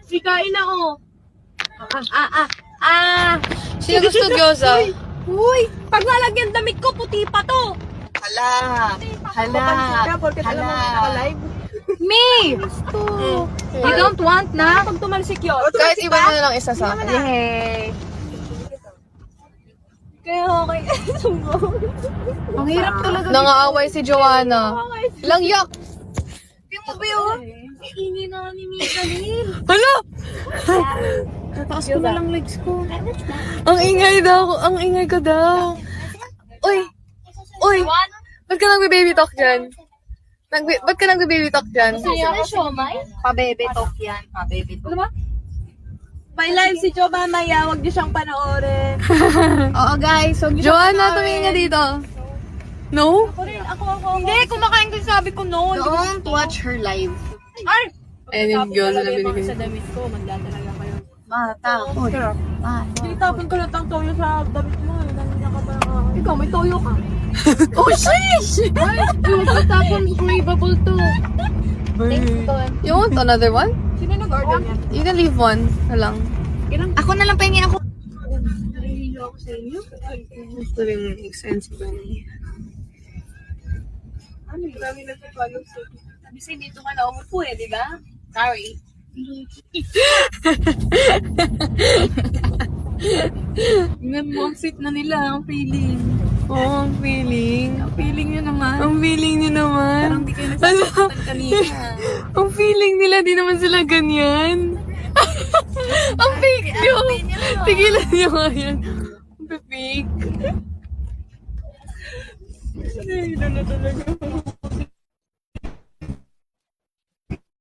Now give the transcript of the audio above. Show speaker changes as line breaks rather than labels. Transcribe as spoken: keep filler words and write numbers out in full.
Sikain na, oh. Ah, ah, ah, ah.
Sino gusto gyoza?
Uy, uy, pag nalagyan damit ko, puti pa to.
Hala. Hala. Hala.
Me! You don't want na? Pag tumalsik yun.
Kahit iba na lang isa sa akin.
Yay! Kaya okay. Ang hirap talaga.
Nangaaway si Joanna. Lang yak.
Yung mo ba yun? Iingi na ni Mika Lil.
Hala!
Tataas ko na lang legs ko.
Ang ingay daw. Ang ingay ko daw. Uy! Uy! Ba't ka nagbe-baby talk dyan? Nag ba't ka nagbe-baby talk dyan?
Saan na siomay? Pa-baby talk yan. Pa-baby talk. Ano ba? May live si Jo mamaya. Huwag niyo siyang panoorin. Oo guys. Huwag niyo siyang
Joanna, tumingin ka dito. No?
Ako rin. Ako, ako. Hindi. Kumakain ko sabi ko no.
Don't watch her live.
Ay!
Ayun yung gyoza na binigay.
Sa damit ko. Magdadalaga kayo.
Matakot.
Hindi tapon ko lang ang toyo sa damit mo. Nandiyan ka pa. Ikaw, may toyo ka. Oh, sheesh! Ay, yung patapon, craveable to.
You want another one?
Sino nag-order niya?
You can leave one. Na lang.
Ako na lang pahingi ako.
Nahihilo ako sa inyo.
Gusto rin expensive ba niya?
Ano, marami na sa follow sa kasi dito ka na umupo eh, di ba? Sorry. Tingnan mo, ang sweet na nila, ang feeling.
Oo, oh, ang feeling.
Ang feeling nyo naman.
Ang feeling niyo naman.
Parang di kayo nasasaktan kanina.
Ang feeling nila, di naman sila ganyan. Ang fake nyo. Tigilan nyo nga yan. Ang fake.
Ay, na talaga.